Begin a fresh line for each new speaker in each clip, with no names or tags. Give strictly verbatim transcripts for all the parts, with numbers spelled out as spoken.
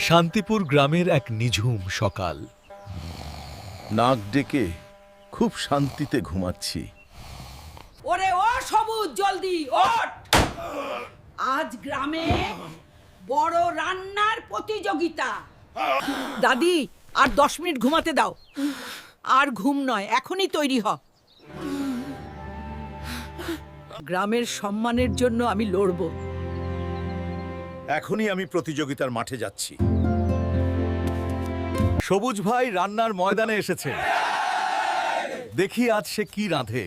শান্তিপুর গ্রামের এক নিঝুম সকাল।
নাক ডেকে খুব শান্তিতে ঘুমাচ্ছি।
ওরে ও সবুজ, জলদি ওঠ। আজ গ্রামে বড় রান্নার প্রতিযোগিতা। দাদি, আর দশ মিনিট ঘুমাতে দাও। আর ঘুম নয়, এখনই তৈরি হ। গ্রামের সম্মানের জন্য আমি লড়ব।
এখনই আমি প্রতিযোগিতার মাঠে যাচ্ছি।
সবুজ ভাই রান্নার ময়দানে এসেছে। দেখি আজ সে কি রাঁধে।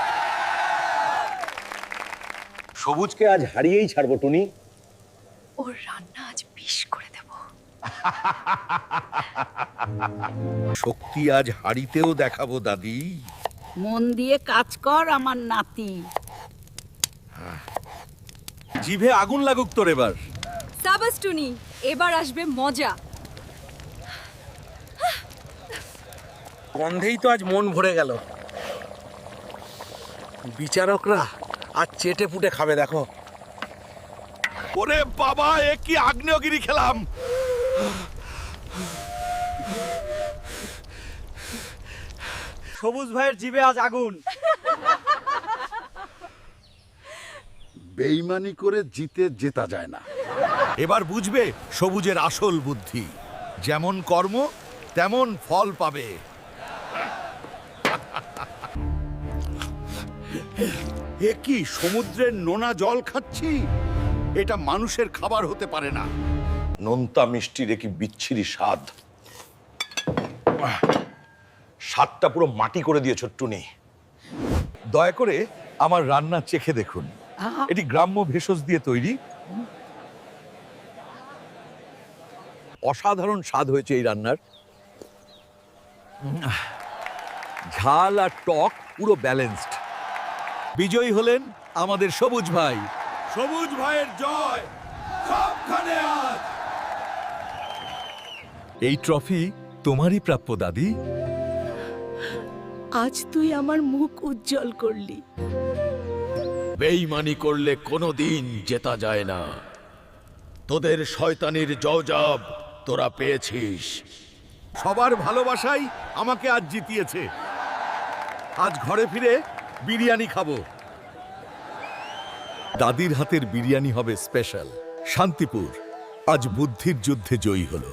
সবুজকে আজ হারিয়েই ছাড়বো টুনি।
ওর রান্না আজ বিষ করে দেব।
শক্তি আজ হাড়িতেও দেখাবো দাদি।
মন দিয়ে কাজ কর আমার নাতি।
জিভে আগুন লাগুক তোর এবার।
সাবাস টুনি, এবার আসবে মজা।
গন্ধেই তো আজ মন ভরে গেল। বিচারকরা আজ চেটে পুটে খাবে দেখো।
ওরে বাবা, এ কি আগ্নেয়গিরি খেলাম।
সবুজ ভাইয়ের জিভে আজ আগুন।
বেইমানি করে জিতে জেতা যায় না।
এবার বুঝবে সবুজের আসল বুদ্ধি। যেমন কর্ম তেমন ফল পাবে।
এ কি সমুদ্রের নোনা জল খাচ্ছি? এটা মানুষের খাবার হতে পারে না। নোনতা মিষ্টির কি বিচ্ছিরি স্বাদ।
স্বাদটা পুরো মাটি করে দিয়েছ টুনি।
দয়া করে আমার রান্না চেখে দেখুন। এটি গ্রাম্য ভেষজ দিয়ে তৈরি। অসাধারণ স্বাদ হয়েছে এই রান্নার। ঝাল আর টক পুরো ব্যালেন্সড। বিজয়ী হলেন আমাদের সবুজ ভাই।
সবুজ ভাইয়ের জয় সবখানে আজ।
এই ট্রফি তোমারই প্রাপ্য দাদি।
আজ তুই আমার মুখ উজ্জ্বল করলি।
বেইমানি করলে কোনোদিন জেতা যায় না। তোদের শয়তানির জওজাব তোরা পেয়েছিস।
সবার ভালোবাসাই আমাকে আজ জিতিয়েছে। আজ ঘরে ফিরে বিরিয়ানি খাবো। দাদির হাতের বিরিয়ানি হবে স্পেশাল। শান্তিপুর আজ বুদ্ধির যুদ্ধে জয়ী হলো।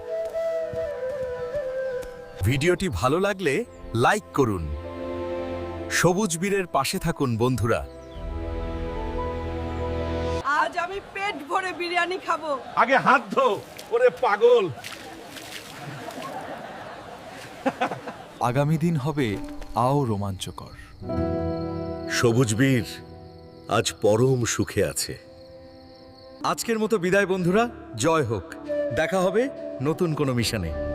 ভিডিওটি ভালো লাগলে লাইক করুন। সবুজ বীরের পাশে থাকুন বন্ধুরা।
আজ আমি পেট ভরে বিরিয়ানি খাবো।
আগে হাত ধো, ওরে পাগল। আগামী দিন হবে আও রোমাঞ্চকর।
সবুজ বীর আজ পরম সুখে আছে।
আজকের মতো বিদায় বন্ধুরা। জয় হোক। দেখা হবে নতুন কোনো মিশনে।